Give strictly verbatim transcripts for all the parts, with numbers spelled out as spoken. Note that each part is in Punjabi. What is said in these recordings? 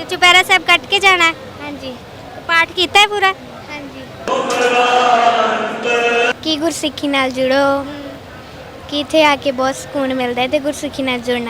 चुपैरा साहब कट के जाना है? हाँ जी। पाठ किया है पूरा? हाँ जी। कि गुरसिक्खी नाल जुड़ो कि इत्थे आके बहुत सुकून मिलता है, तो गुरसिक्खी नाल जुड़ना।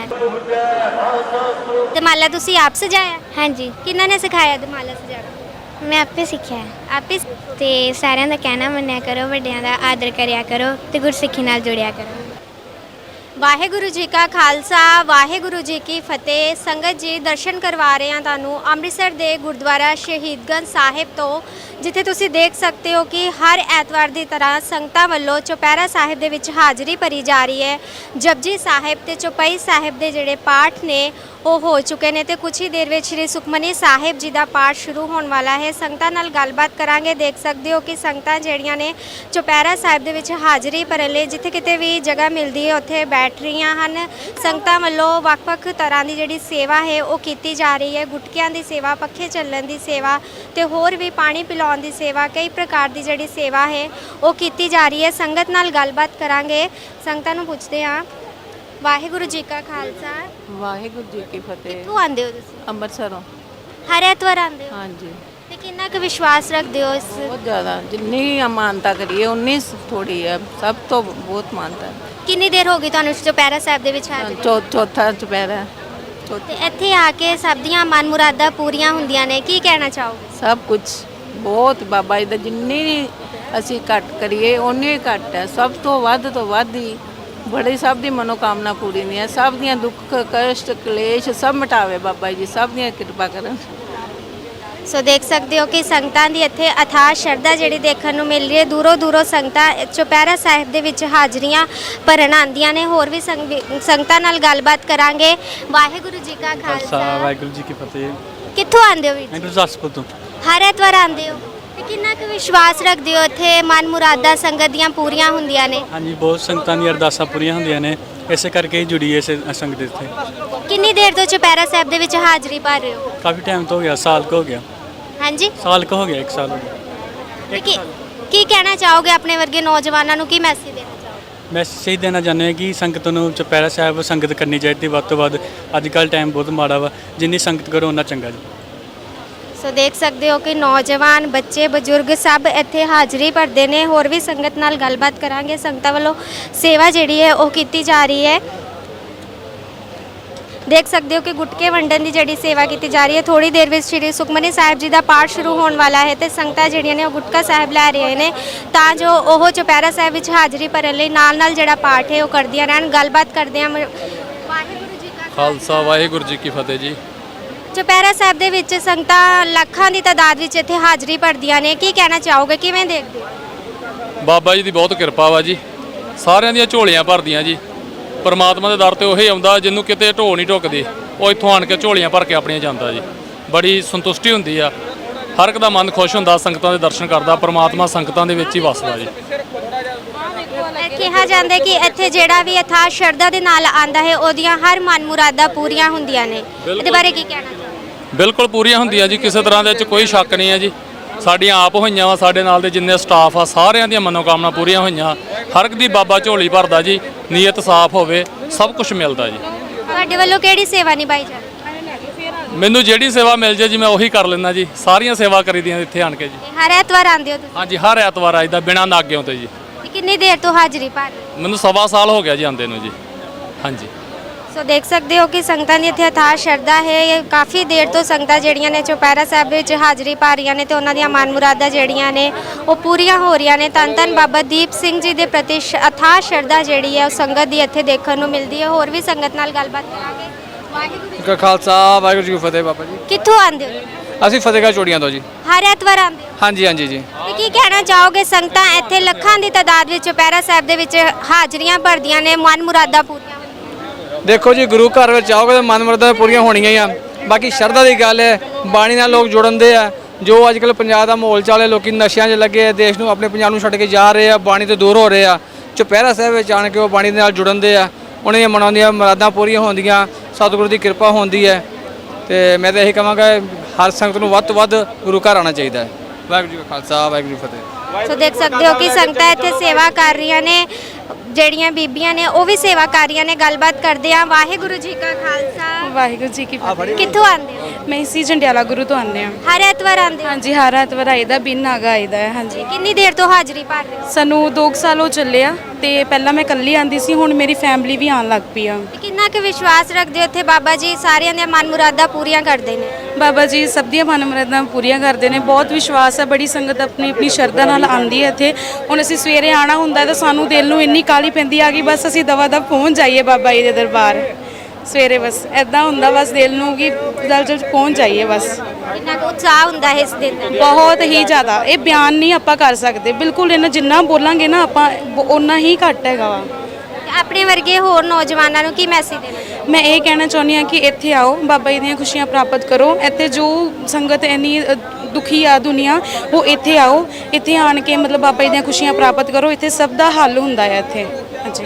दमाला तुसी आप सजाया? हाँ जी। किन्ना ने सिखाया दमाला सजाना? मैं आपे सीखा है। आप ही? ते सारिਆਂ ਦਾ ਕਹਿਣਾ ਮੰਨਿਆ ਕਰੋ, ਵੱਡਿਆਂ ਦਾ ਆਦਰ ਕਰਿਆ ਕਰੋ ਤੇ ਗੁਰਸਿੱਖੀ ਨਾਲ ਜੁੜਿਆ ਕਰੋ। ਵਾਹਿਗੁਰੂ ਜੀ ਕਾ ਖਾਲਸਾ ਵਾਹਿਗੁਰੂ ਜੀ ਕੀ ਫਤਿਹ। ਸੰਗਤ ਜੀ ਦਰਸ਼ਨ ਕਰਵਾ ਰਹੇ ਹਾਂ ਤੁਹਾਨੂੰ ਅੰਮ੍ਰਿਤਸਰ ਦੇ ਗੁਰਦੁਆਰਾ ਸ਼ਹੀਦਗੰਜ ਸਾਹਿਬ ਤੋਂ, ਜਿੱਥੇ ਤੁਸੀਂ ਦੇਖ ਸਕਦੇ ਹੋ ਕਿ ਹਰ ਐਤਵਾਰ ਦੀ ਤਰ੍ਹਾਂ ਸੰਗਤਾਂ ਵੱਲੋਂ ਚੁਪਹਿਰਾ ਸਾਹਿਬ ਦੇ ਵਿੱਚ ਹਾਜ਼ਰੀ ਭਰੀ ਜਾ ਰਹੀ ਹੈ। ਜਪਜੀ ਸਾਹਿਬ ਤੇ ਚੌਪਈ ਸਾਹਿਬ ਦੇ ਜਿਹੜੇ ਪਾਠ ਨੇ ਉਹ ਹੋ ਚੁੱਕੇ ਨੇ ਤੇ ਕੁਝ ਹੀ ਦੇਰ ਵਿੱਚ ਸ਼੍ਰੀ ਸੁਖਮਨੀ ਸਾਹਿਬ ਜੀ ਦਾ ਪਾਠ ਸ਼ੁਰੂ ਹੋਣ ਵਾਲਾ ਹੈ। ਸੰਗਤਾਂ ਨਾਲ ਗੱਲਬਾਤ ਕਰਾਂਗੇ। ਦੇਖ ਸਕਦੇ ਹੋ ਕਿ ਸੰਗਤਾਂ ਜਿਹੜੀਆਂ ਨੇ ਚੁਪਹਿਰਾ ਸਾਹਿਬ ਦੇ ਵਿੱਚ ਹਾਜ਼ਰੀ ਭਰਨ ਲਈ ਜਿੱਥੇ ਕਿਤੇ ਵੀ ਜਗ੍ਹਾ ਮਿਲਦੀ ਹੈ ਉੱਥੇ ਬੈਠ ਰਹੀਆਂ ਹਨ। ਸੰਗਤਾਂ ਵੱਲੋਂ ਵੱਖ-ਵੱਖ ਤਰ੍ਹਾਂ ਦੀ ਜਿਹੜੀ ਸੇਵਾ ਹੈ ਉਹ ਕੀਤੀ ਜਾ ਰਹੀ ਹੈ। ਗੁਟਕਿਆਂ ਦੀ ਸੇਵਾ, ਪੱਖੇ ਚੱਲਣ ਦੀ ਸੇਵਾ ਤੇ ਹੋਰ ਵੀ ਪਾਣੀ ਪਿਲਾਉਣ ਦੀ ਸੇਵਾ, ਕਈ ਪ੍ਰਕਾਰ ਦੀ ਜਿਹੜੀ ਸੇਵਾ ਹੈ ਉਹ ਕੀਤੀ ਜਾ ਰਹੀ ਹੈ। ਸੰਗਤ ਨਾਲ ਗੱਲਬਾਤ ਕਰਾਂਗੇ। ਸੰਗਤਾਂ ਨੂੰ ਪੁੱਛਦੇ ਹਾਂ। ਵਾਹਿਗੁਰੂ ਜੀ ਕਾ ਖਾਲਸਾ ਵਾਹਿਗੁਰੂ ਜੀ ਕੀ ਫਤਿਹ। ਕਿੱਥੋਂ ਆਉਂਦੇ ਹੋ ਤੁਸੀਂ? ਅੰਮ੍ਰਿਤਸਰੋਂ। ਹਰ ਐਤਵਾਰ ਆਉਂਦੇ ਹੋ? ਹਾਂਜੀ। ਤੇ ਕਿੰਨਾ ਕੁ ਵਿਸ਼ਵਾਸ ਰੱਖਦੇ ਹੋ ਇਸ? ਬਹੁਤ ਜ਼ਿਆਦਾ, ਜਿੰਨੀ ਮਾਨਤਾ ਕਰੀਏ ਉਨੀ ਥੋੜੀ ਹੈ। ਸਭ ਤੋਂ ਬਹੁਤ ਮਾਨਤਾ ਹੈ। ਕਿੰਨੀ ਦੇਰ ਹੋ ਗਈ ਤੁਹਾਨੂੰ ਚੁਪਹਿਰਾ ਸਾਹਿਬ ਦੇ ਵਿੱਚ ਹਾਜ਼ਰੀ? ਚੌ ਚੌਥਾ ਚੁਪਹਿਰਾ। ਚੌਥਾ ਤੇ ਇੱਥੇ ਆ ਕੇ ਸਭ ਦੀਆਂ ਮਨ ਮੁਰਾਦਾਂ ਪੂਰੀਆਂ ਹੁੰਦੀਆਂ ਨੇ, ਕੀ ਕਹਿਣਾ ਚਾਹੋਗੇ? ਸਭ ਕੁਝ ਬਹੁਤ ਬਾਬਾ ਜੀ ਦਾ, ਜਿੰਨੀ ਅਸੀਂ ਘੱਟ ਕਰੀਏ ਉਨੀ ਹੀ ਘੱਟ ਹੈ। ਸਭ ਤੋਂ ਵੱਧ ਤੋਂ ਵੱਧ ਹੀ ਬੜੀ ਸਭ ਦੀ ਮਨੋਕਾਮਨਾ ਪੂਰੀ ਨਹੀਂ ਹੈ। ਸਭ ਦੀਆਂ ਦੁੱਖ ਕਸ਼ਟ ਕਲੇਸ਼ ਸਭ ਮਿਟਾਵੇ ਬਾਬਾ ਜੀ, ਸਭ ਦੀਆਂ ਕਿਰਪਾ ਕਰਨ। ਸੋ ਦੇਖ ਸਕਦੇ ਹੋ ਕਿ ਸੰਗਤਾਂ ਦੀ ਇੱਥੇ ਅਥਾਹ ਸ਼ਰਧਾ ਜਿਹੜੀ ਦੇਖਣ ਨੂੰ ਮਿਲ ਰਹੀ ਹੈ। ਦੂਰੋਂ ਦੂਰੋਂ ਸੰਗਤਾਂ ਚੁਪਹਿਰਾ ਸਾਹਿਬ ਦੇ ਵਿੱਚ ਹਾਜ਼ਰੀਆਂ ਭਰਨ ਆਉਂਦੀਆਂ ਨੇ। ਹੋਰ ਵੀ ਸੰਗ- ਸੰਗਤਾਂ ਨਾਲ ਗੱਲਬਾਤ ਕਰਾਂਗੇ। ਵਾਹਿਗੁਰੂ ਜੀ ਕਾ ਖਾਲਸਾ ਵਾਹਿਗੁਰੂ ਜੀ ਕੀ ਫਤਿਹ। ਕਿੱਥੋਂ ਆਉਂਦੇ ਹੋ ਵੀਰ ਜੀ? ਮੈਂ ਗੁਰਦਾਸਪੁਰ ਤੋਂ। ਹਰ ਐਤਵਾਰ ਆਉਂਦੇ ਹੋ ਤੇ ਕਿੰਨਾ ਕੁ ਵਿਸ਼ਵਾਸ ਰੱਖਦੇ ਹੋ ਇੱਥੇ ਮਨ ਮੁਰਾਦਾਂ ਸੰਗਤ ਦੀਆਂ ਪੂਰੀਆਂ ਹੁੰਦੀਆਂ ਨੇ? ਹਾਂਜੀ, ਬਹੁਤ ਸੰਗਤਾਂ ਦੀਆਂ ਅਰਦਾਸਾਂ ਪੂਰੀਆਂ ਹੁੰਦੀਆਂ ਨੇ, ਇਸੇ ਕਰਕੇ ਹੀ ਜੁੜੀ ਹੈ ਇਸ ਸੰਗਤ ਇੱਥੇ। ਕਿੰਨੀ ਦੇਰ ਤੋਂ ਚੁਪਹਿਰਾ ਸਾਹਿਬ ਦੇ ਵਿੱਚ ਹਾਜ਼ਰੀ ਭਰ ਰਹੇ ਹੋ? ਕਾਫੀ ਟਾਈਮ ਤੋਂ ਹੋ ਗਿਆ, ਸਾਲ ਕੁ ਹੋ ਗਿਆ। ਹਾਂਜੀ, ਸਾਲ ਕੁ ਹੋ ਗਿਆ, ਇੱਕ ਸਾਲ ਹੋ ਗਿਆ। ਤੇ ਕੀ ਕੀ ਕਹਿਣਾ ਚਾਹੋਗੇ ਆਪਣੇ ਵਰਗੇ ਨੌਜਵਾਨਾਂ ਨੂੰ, ਕੀ ਮੈਸੇਜ ਦੇਣਾ ਚਾਹੋਗੇ? ਮੈਂ ਸਹੀ ਦੇਣਾ ਚਾਹੁੰਦਾ ਹਾਂ ਕਿ ਸੰਗਤ ਨੂੰ ਚੁਪਹਿਰਾ ਸਾਹਿਬ ਸੰਗਤ ਕਰਨੀ ਚਾਹੀਦੀ ਵੱਧ ਤੋਂ ਵੱਧ। ਅੱਜ ਕੱਲ੍ਹ ਟਾਈਮ ਬਹੁਤ ਮਾੜਾ ਵਾ, ਜਿੰਨੀ ਸੰਗਤ ਕਰੋ ਉਨਾ ਚੰਗਾ ਜੀ। ਸੋ ਦੇਖ ਸਕਦੇ ਹੋ ਕਿ ਨੌਜਵਾਨ, ਬੱਚੇ, ਬਜ਼ੁਰਗ ਸਭ ਇੱਥੇ ਹਾਜ਼ਰੀ ਭਰਦੇ ਨੇ। ਹੋਰ ਵੀ ਸੰਗਤ ਨਾਲ ਗੱਲਬਾਤ ਕਰਾਂਗੇ। ਸੰਗਤਾਂ ਵੱਲੋਂ ਸੇਵਾ ਜਿਹੜੀ ਹੈ ਉਹ ਕੀਤੀ ਜਾ ਰਹੀ ਹੈ। ਦੇਖ ਸਕਦੇ ਹੋ ਕਿ ਗੁਟਕੇ ਵੰਡਣ ਦੀ ਜਿਹੜੀ ਸੇਵਾ ਕੀਤੀ ਜਾ ਰਹੀ ਹੈ। ਥੋੜੀ ਦੇਰ ਵਿੱਚ ਸ਼੍ਰੀ ਸੁਖਮਨੀ ਸਾਹਿਬ ਜੀ ਦਾ ਪਾਠ ਸ਼ੁਰੂ ਹੋਣ ਵਾਲਾ ਹੈ ਤੇ ਸੰਗਤਾਂ ਜਿਹੜੀਆਂ ਨੇ ਉਹ ਗੁਟਕਾ ਸਾਹਿਬ ਲੈ ਰਹੇ ਨੇ ਤਾਂ ਜੋ ਉਹ ਚੁਪਹਿਰਾ ਸਾਹਿਬ ਵਿੱਚ ਹਾਜ਼ਰੀ ਭਰਨ ਲਈ ਨਾਲ ਨਾਲ ਜਿਹੜਾ ਪਾਠ ਹੈ ਉਹ ਕਰਦੀਆਂ ਰਹਿਣ। ਗੱਲਬਾਤ ਕਰਦੇ ਹਾਂ। ਵਾਹਿਗੁਰੂ ਜੀ ਕਾ ਖਾਲਸਾ ਵਾਹਿਗੁਰੂ ਜੀ ਕੀ ਫਤਿਹ ਜੀ। ਚੁਪਹਿਰਾ ਸਾਹਿਬ ਦੇ ਵਿੱਚ ਸੰਗਤਾਂ ਲੱਖਾਂ ਦੀ ਤਾਦਾਦ ਵਿੱਚ ਇੱਥੇ ਹਾਜ਼ਰੀ ਭਰਦੀਆਂ ਨੇ, ਕੀ ਕਹਿਣਾ ਚਾਹੋਗੇ, ਕਿਵੇਂ ਦੇਖਦੇ ਹੋ? ਬਾਬਾ ਜੀ ਦੀ ਬਹੁਤ ਕਿਰਪਾ ਵਾ ਜੀ, ਸਾਰਿਆਂ ਦੀਆਂ ਝੋਲੀਆਂ ਭਰਦੀਆਂ ਜੀ। ਪਰਮਾਤਮਾ ਦੇ ਦਰ ਤੇ ਉਹੀ ਆਉਂਦਾ ਜਿਹਨੂੰ ਕਿਤੇ ਢੋ ਨਹੀਂ ਢੁੱਕਦੀ, ਉਹ ਇੱਥੋਂ ਆਣ ਕੇ ਝੋਲੀਆਂ ਭਰ ਕੇ ਆਪਣੀਆਂ ਜਾਂਦਾ ਜੀ। ਬੜੀ ਸੰਤੁਸ਼ਟੀ ਹੁੰਦੀ ਆ, ਹਰ ਇੱਕ ਦਾ ਮਨ ਖੁਸ਼ ਹੁੰਦਾ ਸੰਗਤਾਂ ਦੇ ਦਰਸ਼ਨ ਕਰਦਾ। ਪਰਮਾਤਮਾ ਸੰਗਤਾਂ ਦੇ ਵਿੱਚ ਹੀ ਵਸਦਾ ਜੀ। ਕਿਹਾ ਜਾਂਦਾ ਕਿ ਇੱਥੇ ਜਿਹੜਾ ਵੀ ਅਥਾਹ ਸ਼ਰਧਾ ਦੇ ਨਾਲ ਆਂਦਾ ਹੈ ਉਹਦੀਆਂ ਹਰ ਮਨ ਮੁਰਾਦਾਂ ਪੂਰੀਆਂ ਹੁੰਦੀਆਂ ਨੇ, ਇਹਦੇ ਬਾਰੇ ਕੀ ਕਹਿਣਾ ਚਾਹੋਗੇ? ਬਿਲਕੁਲ ਪੂਰੀਆਂ ਹੁੰਦੀਆਂ ਜੀ, ਕਿਸੇ ਤਰ੍ਹਾਂ ਦੇ ਵਿੱਚ ਕੋਈ ਸ਼ੱਕ ਨਹੀਂ ਹੈ ਜੀ। ਸਾਡੀਆਂ ਆਪ ਹੋਈਆਂ ਵਾ, ਸਾਡੇ ਨਾਲ ਦੇ ਜਿੰਨੇ ਸਟਾਫ ਆ ਸਾਰਿਆਂ ਦੀਆਂ ਮਨੋਕਾਮਨਾ ਪੂਰੀਆਂ ਹੋਈਆਂ। ਹਰ ਇੱਕ ਦੀ ਬਾਬਾ ਝੋਲੀ ਭਰਦਾ ਜੀ, ਨੀਅਤ ਸਾਫ਼ ਹੋਵੇ ਸਭ ਕੁਝ ਮਿਲਦਾ ਜੀ। ਤੁਹਾਡੇ ਵੱਲੋਂ ਕਿਹੜੀ ਸੇਵਾ ਨਿਭਾਈ ਜਾਂਦੀ? ਮੈਨੂੰ ਜਿਹੜੀ ਸੇਵਾ ਮਿਲ ਜੇ ਜੀ ਮੈਂ ਉਹੀ ਕਰ ਲੈਂਦਾ ਜੀ। ਸਾਰੀਆਂ ਸੇਵਾ ਕਰੀਦੀਆਂ ਇੱਥੇ ਆਣ ਕੇ ਜੀ। ਹਰ ਐਤਵਾਰ ਆਉਂਦੇ ਹੋ ਤੁਸੀਂ? ਹਾਂਜੀ, ਹਰ ਐਤਵਾਰ ਆਈਦਾ ਬਿਨਾਂ ਨਾਗਿਓਂ ਤੇ ਜੀ। ਤੇ ਕਿੰਨੀ ਦੇਰ ਤੋਂ ਹਾਜ਼ਰੀ ਭਰ ਰਹੇ ਹੋ? ਮੈਨੂੰ ਸਵਾ ਸਾਲ ਹੋ ਗਿਆ ਜੀ ਆਉਂਦੇ ਨੂੰ ਜੀ। ਹਾਂਜੀ। ਸੋ ਦੇਖ ਸਕਦੇ ਹੋ ਕਿ ਸੰਗਤਾਂ ਦੀ ਇੱਥੇ ਅਥਾਹ ਸ਼ਰਧਾ ਹੈ। ਕਾਫੀ ਦੇਰ ਤੋਂ ਸੰਗਤਾਂ ਜਿਹੜੀਆਂ ਨੇ ਚੁਪਹਿਰਾ ਸਾਹਿਬ ਵਿੱਚ ਹਾਜ਼ਰੀ ਪਾ ਰਹੀਆਂ ਨੇ ਤੇ ਉਹਨਾਂ ਦੀਆਂ ਮਨ ਮੁਰਾਦਾਂ ਜਿਹੜੀਆਂ ਨੇ ਉਹ ਪੂਰੀਆਂ ਹੋ ਰਹੀਆਂ ਨੇ। ਧੰਨ ਧੰਨ ਬਾਬਾ ਦੀਪ ਸਿੰਘ ਜੀ ਦੇ ਪ੍ਰਤੀ ਅਥਾਹ ਸ਼ਰਧਾ ਜਿਹੜੀ ਹੈ ਉਹ ਸੰਗਤ ਦੀ ਇੱਥੇ ਦੇਖਣ ਨੂੰ ਮਿਲਦੀ ਹੈ। ਹੋਰ ਵੀ ਸੰਗਤ ਨਾਲ ਗੱਲਬਾਤ ਕਰਾਂਗੇ। ਵਾਹਿਗੁਰੂ ਕਾ ਖਾਲਸਾ ਵਾਹਿਗੁਰੂ ਜੀ ਕੀ ਫਤਿਹ। ਬਾਬਾ ਜੀ ਕਿੱਥੋਂ ਆਉਂਦੇ ਹੋ? ਅਸੀਂ ਫਤਿਹਗੜ੍ਹ ਚੋੜੀਆਂ ਤੋਂ ਜੀ। ਹਰ ਐਤਵਾਰ ਆਉਂਦੇ ਹੋ? ਹਾਂਜੀ ਹਾਂਜੀ ਜੀ। ਤੇ ਕੀ ਕਹਿਣਾ ਚਾਹੋਗੇ? ਸੰਗਤਾਂ ਇੱਥੇ ਲੱਖਾਂ ਦੀ ਤਾਦਾਦ ਵਿੱਚ ਚੁਪਹਿਰਾ ਸਾਹਿਬ ਦੇ ਵਿੱਚ ਹਾਜ਼ਰੀਆਂ ਭਰਦੀਆਂ ਨੇ, ਮਨ ਮੁਰਾਦਾਂ ਪੂਰੀਆਂ। ਦੇਖੋ ਜੀ, ਗੁਰੂ ਘਰ ਵਿੱਚ ਆਓਗੇ ਤਾਂ ਮਨ ਮੁਰਾਦਾਂ ਪੂਰੀਆਂ ਹੋਣੀਆਂ ਹੀ ਆ। ਬਾਕੀ ਸ਼ਰਧਾ ਦੀ ਗੱਲ ਹੈ, ਬਾਣੀ ਨਾਲ ਲੋਕ ਜੁੜਨ ਦੇ ਆ। ਜੋ ਅੱਜ ਕੱਲ੍ਹ ਪੰਜਾਬ ਦਾ ਮਾਹੌਲ ਚੱਲ ਰਿਹਾ, ਲੋਕੀ ਨਸ਼ਿਆਂ 'ਚ ਲੱਗੇ ਆ, ਦੇਸ਼ ਨੂੰ ਆਪਣੇ ਪੰਜਾਬ ਨੂੰ ਛੱਡ ਕੇ ਜਾ ਰਹੇ ਆ, ਬਾਣੀ ਤੋਂ ਦੂਰ ਹੋ ਰਹੇ ਆ। ਚੁਪਹਿਰਾ ਸਾਹਿਬ ਵਿੱਚ ਆਣ ਕੇ ਉਹ ਬਾਣੀ ਦੇ ਨਾਲ ਜੁੜਨ ਦੇ ਆ, ਉਹਨਾਂ ਦੀਆਂ ਮਨਾਂ ਦੀਆਂ ਮੁਰਾਦਾਂ ਪੂਰੀਆਂ ਹੁੰਦੀਆਂ, ਸਤਿਗੁਰੂ ਦੀ ਕਿਰਪਾ ਹੁੰਦੀ ਹੈ। ਤੇ ਮੈਂ ਤਾਂ ਇਹੀ ਕਹਾਂਗਾ ਹਰ ਸੰਗਤ ਨੂੰ ਵੱਧ ਤੋਂ ਵੱਧ ਗੁਰੂ ਘਰ ਆਉਣਾ ਚਾਹੀਦਾ ਹੈ। ਵਾਹਿਗੁਰੂ ਜੀ ਕਾ ਖਾਲਸਾ ਵਾਹਿਗੁਰੂ ਜੀ ਕੀ ਫਤਿਹ। ਸੋ ਦੇਖ ਸਕਦੇ ਹੋ ਕਿ ਸੰਗਤਾਂ ਇੱਥੇ ਸੇਵਾ ਕਰ ਰਹੀਆਂ ਨੇ। ਜਿਹੜੀਆਂ ਬੀਬੀਆਂ ਨੇ ਉਹ ਵੀ ਸੇਵਾਕਾਰੀਆਂ ਨੇ, ਗੱਲਬਾਤ ਕਰਦੇ ਆ। ਵਾਹਿਗੁਰੂ ਜੀ ਕਾ ਖਾਲਸਾ, ਵਾਹਿਗੁਰੂ ਜੀ ਕੀ ਫਤਿਹ। ਕਿੱਥੋਂ ਆਉਂਦੇ ਹੋ? ਮੈਂ ਇਸੀ ਜੰਡਿਆਲਾ ਗੁਰੂ ਤੋਂ ਆਉਂਦੇ ਹਾਂ। ਹਰ ਐਤਵਾਰ ਆਉਂਦੇ ਹੋ? ਹਾਂਜੀ, ਹਰ ਐਤਵਾਰ ਆਈਦਾ, ਬਿਨ ਨਾਗਾ ਆਈਦਾ ਹੈ। ਹਾਂਜੀ, ਕਿੰਨੀ ਦੇਰ ਤੋਂ ਹਾਜ਼ਰੀ ਭਰ ਰਹੇ ਹੋ? ਸਾਨੂੰ ਦੋ ਕੁ ਸਾਲ ਹੋ ਚੱਲੇ ਆ ਤੇ ਪਹਿਲਾਂ ਮੈਂ ਇਕੱਲੀ ਆਂਦੀ ਸੀ, ਹੁਣ ਮੇਰੀ ਫੈਮਿਲੀ ਵੀ ਆਉਣ ਲੱਗ ਪਈ ਆ। ਤੇ ਕਿੰਨਾ ਕੁ ਵਿਸ਼ਵਾਸ ਰੱਖਦੇ ਹੋ ਇੱਥੇ ਬਾਬਾ ਜੀ ਸਾਰਿਆਂ ਦੀਆਂ ਮਨ ਮੁਰਾਦਾਂ ਪੂਰੀਆਂ ਕਰਦੇ ਨੇ? ਬਾਬਾ ਜੀ ਸਭ ਦੀਆਂ ਮਨ ਮੁਰਾਦਾਂ ਪੂਰੀਆਂ ਕਰਦੇ ਨੇ, ਬਹੁਤ ਵਿਸ਼ਵਾਸ ਹੈ। ਬੜੀ ਸੰਗਤ ਆਪਣੀ ਆਪਣੀ ਸ਼ਰਧਾ ਨਾਲ ਆਂਦੀ ਹੈ ਇੱਥੇ। ਹੁਣ ਅਸੀਂ ਸਵੇਰੇ ਆਣਾ ਹੁੰਦਾ ਤਾਂ ਸਾਨੂੰ ਦਿਲ ਨੂੰ ਇੰਨੀ ਕਾਹਲੀ ਪੈਂਦੀ ਆ ਕਿ ਬਸ ਅਸੀਂ ਦਵਾ ਦਵ ਪਹੁੰਚ ਜਾਈਏ ਬਾਬਾ ਜੀ ਦੇ ਦਰਬਾਰ ਸਵੇਰੇ। ਬਸ ਐਦਾਂ ਹੁੰਦਾ ਬਸ ਦਿਲ ਨੂੰ ਕਿ ਜਲ ਜਲ ਪਹੁੰਚ ਜਾਈਏ ਬਸ। ਕਿੰਨਾ ਕੁ ਉਤਸ਼ਾਹ ਹੁੰਦਾ ਹੈ ਇਸ ਦਿਨ ਦਾ? ਬਹੁਤ ਹੀ ਜ਼ਿਆਦਾ, ਇਹ ਬਿਆਨ ਨਹੀਂ ਆਪਾਂ ਕਰ ਸਕਦੇ ਬਿਲਕੁਲ। ਇਹਨਾਂ ਜਿੰਨਾ ਬੋਲਾਂਗੇ ਨਾ ਆਪਾਂ ਓਨਾ ਹੀ ਘੱਟ ਹੈਗਾ ਵਾ। ਤੇ ਆਪਣੇ ਵਰਗੇ ਹੋਰ ਨੌਜਵਾਨਾਂ ਨੂੰ ਕੀ ਮੈਸੇਜ ਦੇਣਾ? ਮੈਂ ਇਹ ਕਹਿਣਾ ਚਾਹੁੰਦੀ ਹਾਂ ਕਿ ਇੱਥੇ ਆਓ, ਬਾਬਾ ਜੀ ਦੀਆਂ ਖੁਸ਼ੀਆਂ ਪ੍ਰਾਪਤ ਕਰੋ। ਇੱਥੇ ਜੋ ਸੰਗਤ ਇੰਨੀ ਅ, ਦੁਖੀ ਆ ਦੁਨੀਆ, ਉਹ ਇੱਥੇ ਆਓ, ਇੱਥੇ ਆਣ ਕੇ ਮਤਲਬ ਬਾਬਾ ਜੀ ਦੀਆਂ ਖੁਸ਼ੀਆਂ ਪ੍ਰਾਪਤ ਕਰੋ। ਇੱਥੇ ਸਭ ਦਾ ਹੱਲ ਹੁੰਦਾ ਹੈ ਇੱਥੇ। ਹਾਂਜੀ,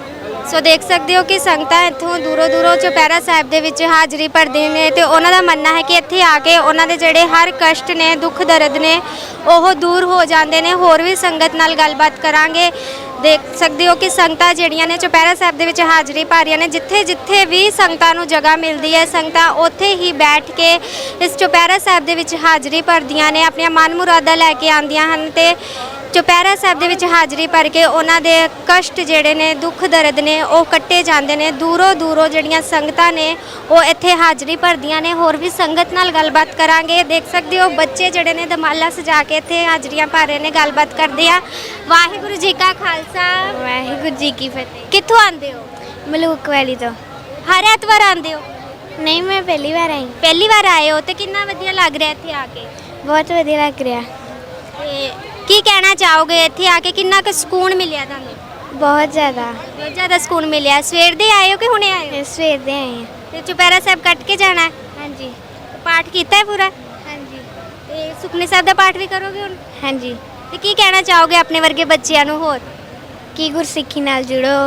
ਸੋ ਦੇਖ ਸਕਦੇ ਹੋ ਕਿ ਸੰਗਤਾਂ ਇੱਥੋਂ ਦੂਰੋਂ ਦੂਰੋਂ ਚੁਪਹਿਰਾ ਸਾਹਿਬ ਦੇ ਵਿੱਚ ਹਾਜ਼ਰੀ ਭਰਦੇ ਨੇ ਤੇ ਉਹਨਾਂ ਦਾ ਮੰਨਣਾ ਹੈ ਕਿ ਇੱਥੇ ਆ ਕੇ ਉਹਨਾਂ ਦੇ ਜਿਹੜੇ ਹਰ ਕਸ਼ਟ ਨੇ, ਦੁੱਖ ਦਰਦ ਨੇ, ਉਹ ਦੂਰ ਹੋ ਜਾਂਦੇ ਨੇ। ਹੋਰ ਵੀ ਸੰਗਤ ਨਾਲ ਗੱਲਬਾਤ ਕਰਾਂਗੇ। ਦੇਖ ਸਕਦੇ ਹੋ ਕਿ ਸੰਗਤਾਂ ਜਿਹੜੀਆਂ ਨੇ ਚੁਪਹਿਰਾ ਸਾਹਿਬ ਦੇ ਵਿੱਚ ਹਾਜ਼ਰੀ ਭਰ ਰਹੀਆਂ ਨੇ। ਜਿੱਥੇ ਜਿੱਥੇ ਵੀ ਸੰਗਤਾਂ ਨੂੰ ਜਗ੍ਹਾ ਮਿਲਦੀ ਹੈ, ਸੰਗਤਾਂ ਉੱਥੇ ਹੀ ਬੈਠ ਕੇ ਇਸ ਚੁਪਹਿਰਾ ਸਾਹਿਬ ਦੇ ਵਿੱਚ ਹਾਜ਼ਰੀ ਭਰਦੀਆਂ ਨੇ, ਆਪਣੀਆਂ ਮਨ ਮੁਰਾਦਾਂ ਲੈ ਕੇ ਆਉਂਦੀਆਂ ਹਨ ਤੇ ਚੁਪਹਿਰਾ ਸਾਹਿਬ ਦੇ ਵਿੱਚ ਹਾਜ਼ਰੀ ਭਰ ਕੇ ਉਹਨਾਂ ਦੇ ਕਸ਼ਟ ਜਿਹੜੇ ਨੇ, ਦੁੱਖ ਦਰਦ ਨੇ, ਉਹ ਕੱਟੇ ਜਾਂਦੇ ਨੇ। ਦੂਰੋਂ ਦੂਰੋਂ ਜਿਹੜੀਆਂ ਸੰਗਤਾਂ ਨੇ ਉਹ ਇੱਥੇ ਹਾਜ਼ਰੀ ਭਰਦੀਆਂ ਨੇ। ਹੋਰ ਵੀ ਸੰਗਤ ਨਾਲ ਗੱਲਬਾਤ ਕਰਾਂਗੇ। ਦੇਖ ਸਕਦੇ ਹੋ ਬੱਚੇ ਜਿਹੜੇ ਨੇ ਦਮਾਲਾ ਸਜਾ ਕੇ ਇੱਥੇ ਹਾਜ਼ਰੀਆਂ ਭਰ ਰਹੇ ਨੇ। ਗੱਲਬਾਤ ਕਰਦੇ ਆ। ਵਾਹਿਗੁਰੂ ਜੀ ਕਾ ਖਾਲਸਾ, ਵਾਹਿਗੁਰੂ ਜੀ ਕੀ ਫਤਿਹ। ਕਿੱਥੋਂ ਆਉਂਦੇ ਹੋ? ਮਲੂਕ ਵਾਲੀ ਤੋਂ। ਹਰ ਐਤਵਾਰ ਆਉਂਦੇ ਹੋ? ਨਹੀਂ, ਮੈਂ ਪਹਿਲੀ ਵਾਰ ਆਈ। ਪਹਿਲੀ ਵਾਰ ਆਏ ਹੋ ਤੇ ਕਿੰਨਾ ਵਧੀਆ ਲੱਗ ਰਿਹਾ ਇੱਥੇ ਆ ਕੇ? ਬਹੁਤ ਵਧੀਆ ਲੱਗ ਰਿਹਾ। ਤੇ ਕੀ ਕਹਿਣਾ ਚਾਹੋਗੇ ਇੱਥੇ ਆ ਕੇ? ਕਿੰਨਾ ਕੁ ਸਕੂਨ ਮਿਲਿਆ ਤੁਹਾਨੂੰ? ਬਹੁਤ ਜ਼ਿਆਦਾ। ਬਹੁਤ ਜ਼ਿਆਦਾ ਸਕੂਨ ਮਿਲਿਆ। ਸਵੇਰ ਦੇ ਆਏ ਹੋ ਕਿ ਹੁਣੇ ਆਏ ਹੋ? ਸਵੇਰ ਦੇ ਆਏ ਹਾਂ। ਤੇ ਚੁਪਹਿਰਾ ਸਾਹਿਬ ਕੱਟ ਕੇ ਜਾਣਾ ਹੈ? ਹਾਂਜੀ ਪਾਠ ਕੀਤਾ ਹੈ ਪੂਰਾ? ਹਾਂਜੀ ਤੇ ਸੁਖਮਨੀ ਸਾਹਿਬ ਦਾ ਪਾਠ ਵੀ ਕਰੋਗੇ ਹੁਣ? ਹਾਂਜੀ। ਤੇ ਕੀ ਕਹਿਣਾ ਚਾਹੋਗੇ ਆਪਣੇ ਵਰਗੇ ਬੱਚਿਆਂ ਨੂੰ ਹੋਰ? ਕੀ ਗੁਰਸਿੱਖੀ ਨਾਲ ਜੁੜੋ,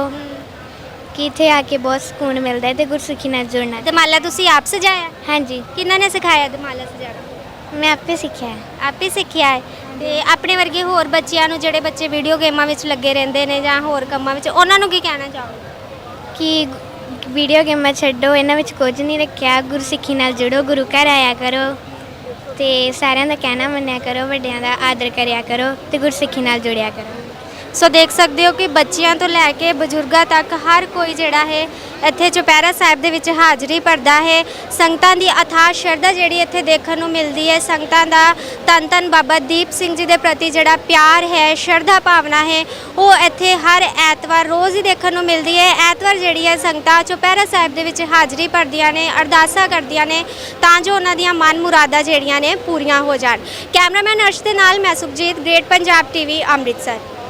ਕਿ ਇੱਥੇ ਆ ਕੇ ਬਹੁਤ ਸਕੂਨ ਮਿਲਦਾ ਹੈ ਤੇ ਗੁਰਸਿੱਖੀ ਨਾਲ ਜੁੜਨਾ। ਦਮਾਲਾ ਤੁਸੀਂ ਆਪ ਸਜਾਇਆ? ਹਾਂਜੀ, ਕਿਹਨਾਂ ਨੇ ਸਿਖਾਇਆ ਦਮਾਲਾ ਸਜਾਣਾ? ਮੈਂ ਆਪੇ ਸਿੱਖਿਆ ਹੈ। ਆਪੇ ਸਿੱਖਿਆ ਹੈ। ਤੇ ਆਪਣੇ ਵਰਗੇ ਹੋਰ ਬੱਚਿਆਂ ਨੂੰ, ਜਿਹੜੇ ਬੱਚੇ ਵੀਡੀਓ ਗੇਮਾਂ ਵਿੱਚ ਲੱਗੇ ਰਹਿੰਦੇ ਨੇ ਜਾਂ ਹੋਰ ਕੰਮਾਂ ਵਿੱਚ, ਉਹਨਾਂ ਨੂੰ ਕੀ ਕਹਿਣਾ ਚਾਹੋਗੇ? ਕਿ ਵੀਡੀਓ ਗੇਮਾਂ ਛੱਡੋ, ਇਹਨਾਂ ਵਿੱਚ ਕੁਝ ਨਹੀਂ ਰੱਖਿਆ। ਗੁਰਸਿੱਖੀ ਨਾਲ ਜੁੜੋ, ਗੁਰੂ ਘਰ ਆਇਆ ਕਰੋ ਤੇ ਸਾਰਿਆਂ ਦਾ ਕਹਿਣਾ ਮੰਨਿਆ ਕਰੋ, ਵੱਡਿਆਂ ਦਾ ਆਦਰ ਕਰਿਆ ਕਰੋ ਤੇ ਗੁਰਸਿੱਖੀ ਨਾਲ ਜੁੜਿਆ ਕਰੋ। ਸੋ ਦੇਖ ਸਕਦੇ ਹੋ ਕਿ ਬੱਚਿਆਂ ਤੋਂ ਲੈ ਕੇ ਬਜ਼ੁਰਗਾਂ ਤੱਕ ਹਰ ਕੋਈ ਜਿਹੜਾ ਹੈ ਇੱਥੇ ਚੁਪਹਿਰਾ ਸਾਹਿਬ ਦੇ ਵਿੱਚ ਹਾਜ਼ਰੀ ਭਰਦਾ ਹੈ। ਸੰਗਤਾਂ ਦੀ ਅਥਾਹ ਸ਼ਰਧਾ ਜਿਹੜੀ ਇੱਥੇ ਦੇਖਣ ਨੂੰ ਮਿਲਦੀ ਹੈ। ਸੰਗਤਾਂ ਦਾ ਧੰਨ ਧੰਨ ਬਾਬਾ ਦੀਪ ਸਿੰਘ ਜੀ ਦੇ ਪ੍ਰਤੀ ਜਿਹੜਾ ਪਿਆਰ ਹੈ, ਸ਼ਰਧਾ ਭਾਵਨਾ ਹੈ, ਉਹ ਇੱਥੇ ਹਰ ਐਤਵਾਰ ਰੋਜ਼ ਹੀ ਦੇਖਣ ਨੂੰ ਮਿਲਦੀ ਹੈ। ਐਤਵਾਰ ਜਿਹੜੀ ਹੈ ਸੰਗਤਾਂ ਚੁਪਹਿਰਾ ਸਾਹਿਬ ਦੇ ਵਿੱਚ ਹਾਜ਼ਰੀ ਭਰਦੀਆਂ ਨੇ, ਅਰਦਾਸਾਂ ਕਰਦੀਆਂ ਨੇ ਤਾਂ ਜੋ ਉਹਨਾਂ ਦੀਆਂ ਮਨ ਮੁਰਾਦਾਂ ਜਿਹੜੀਆਂ ਨੇ ਪੂਰੀਆਂ ਹੋ ਜਾਣ। ਕੈਮਰਾਮੈਨ ਅਰਸ਼ ਦੇ ਨਾਲ ਮੈਂ ਸੁਖਜੀਤ, ਗ੍ਰੇਟ ਪੰਜਾਬ ਟੀਵੀ, ਅੰਮ੍ਰਿਤਸਰ।